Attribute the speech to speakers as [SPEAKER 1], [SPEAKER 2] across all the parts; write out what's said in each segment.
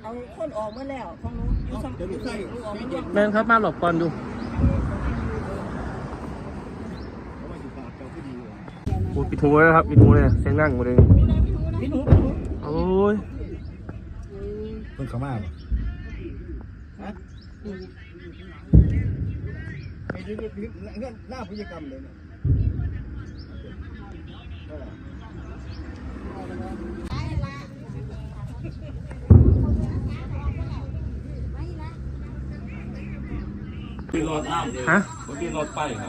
[SPEAKER 1] เอาคนออกเมื่อแล้วของหนูอยู่ซ้ำอยู่ใส่ออกมา
[SPEAKER 2] แม่นครับมาหลบก่อนดูโอ้ปิดหูเลยครับปิดหูเลยเสียงดังหมดเลย
[SPEAKER 1] พี่หนู
[SPEAKER 2] โอ้ย
[SPEAKER 3] เพิ่งเข้ามาบ่ฮะไอ้นี่หน้าพฤติกรรมเลยเนี่ย
[SPEAKER 4] ที่รถน้ำเลย
[SPEAKER 2] ฮะ
[SPEAKER 4] ที่รถไปครับ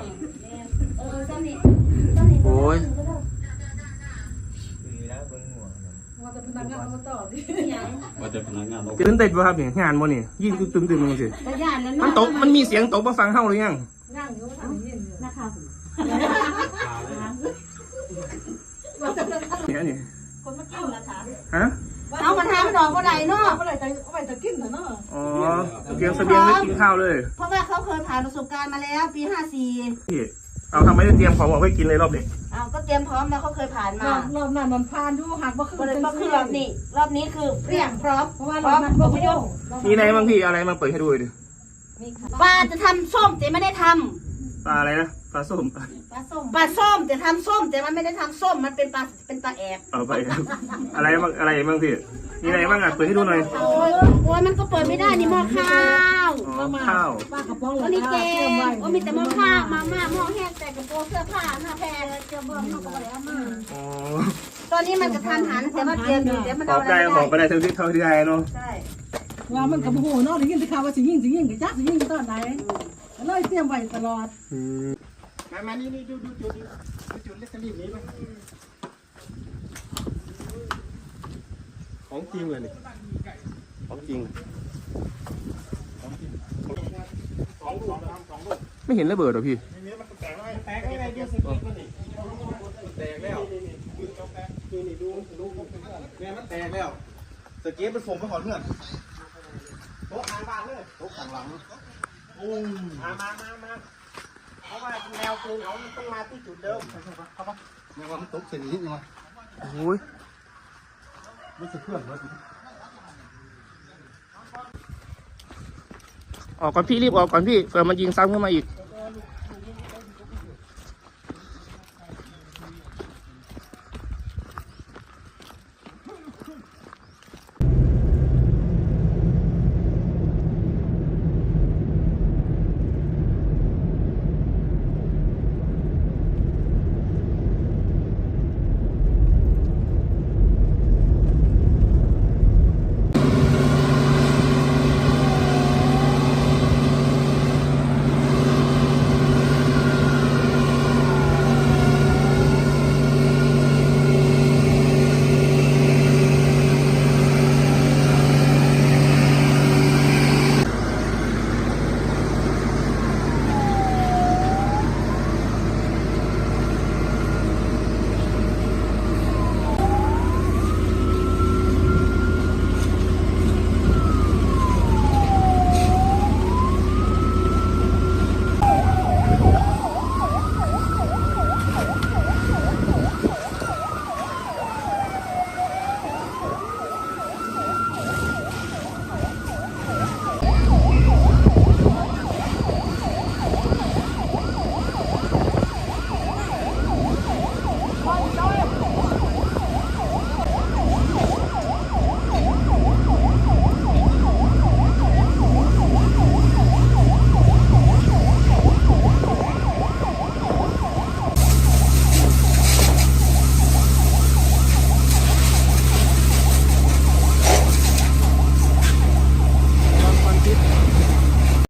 [SPEAKER 2] โอ้ย
[SPEAKER 4] ว่าจะพนักงานเรา
[SPEAKER 2] ตื่นเต้นป่ะครับเนี่ยงานบ่นี่ยิ่งตื่นลงสิมันตกมันมีเสียงตกมาฟังเฮาหรือยังเนี่ยนี่คนมากินละคะฮะ
[SPEAKER 5] เอามาทำมันออกมาไหนเนาะ
[SPEAKER 1] เอาไปจะกินเถอะเนาะ
[SPEAKER 2] อ๋อเตรียมเสบียงไว้กินข้าวเลย
[SPEAKER 5] เพราะว่าเขาเคยผ่านประสบการณ์มาแล้วปี54
[SPEAKER 2] พี่เอาทำไมได้เตรียมของเอาไว้กินเลยรอบนี้
[SPEAKER 5] เอาก็เตรียมพร้อมแล้วเขาเคยผ่านมาร
[SPEAKER 1] อบนั้นมันผ่านดูหักว่าคือ
[SPEAKER 5] ก็เลยก็คือรอบนี้คือเรียงพร้อม
[SPEAKER 1] เพราะว่ารอบนั้นบ่พยพ
[SPEAKER 2] มีอะไรบ้างพี่อะไรมาเปิดให้ดูดิ
[SPEAKER 5] ปลาจะทำส้มแต่ไม่ได้ท
[SPEAKER 2] ปลาอะไรนะปลาส้ม
[SPEAKER 5] ำปลาส้มแต่ทำส้มแต่มันไม่ได้ทำส้มมันเป็นปลาแอบ
[SPEAKER 2] เอาไปครับอะไรบ้างพี่มีอะไรบ้างอ่ะเปิดให้ดูหน่อย
[SPEAKER 5] โอ้ยมันก็เปิดไม่ได้นี่หม้อข้าว
[SPEAKER 2] อ๋อข้าว
[SPEAKER 1] ป้ากระป๋อง
[SPEAKER 5] วันนี้แกงโอ้มีแต่หม้อข้าวมาม่าหม้อแห้งแต่กระโปรงเสื้อผ้าหน้าแพรเจ้าเบิ้มเขาก็เลยเอามา
[SPEAKER 2] อ๋อ
[SPEAKER 5] ตอนนี้มันจะทำหันแต่ว่าเตรียมอยู่เดี๋ยวมัน
[SPEAKER 2] ขอ
[SPEAKER 5] เอา
[SPEAKER 2] บได้
[SPEAKER 5] อะไร
[SPEAKER 2] ขอบไปได้เท่าที่ได้เนาะ
[SPEAKER 5] ใช่
[SPEAKER 1] ว่ามันกับโอ้โหเนาะได้ยินข่าวว่าสิยิงกับจักสิยิงตอนไหนเลยเตรียมไว้ตลอด
[SPEAKER 3] มานี่ดูจุดเล็กรีบนี้ป่ะของจริงเลยนี่ของจริง
[SPEAKER 2] ไม่เห็นระเบิดหรอพี่
[SPEAKER 3] แตกอะไรเดียวสกีมันนี่แตกแล้วนี่ดูเนี่ยมันแตกแล้วสกีมันส่งไปขอเพื่อนโต๊ะทางบ้านเลยโต๊ะข้างหลังโอ้มาเพราะว่าแนวปืนเขาต้องมาที่จุดเดิมเข้าปะเนี่ยว่ามันตกเส้นนี้ยังไง
[SPEAKER 2] โอ้ย
[SPEAKER 3] มันจะเพื่อนวะ
[SPEAKER 2] ออกก่อนพี่รีบออกก่อนพี่เผื่อมันยิงซ้ำขึ้นมาอีก
[SPEAKER 5] เ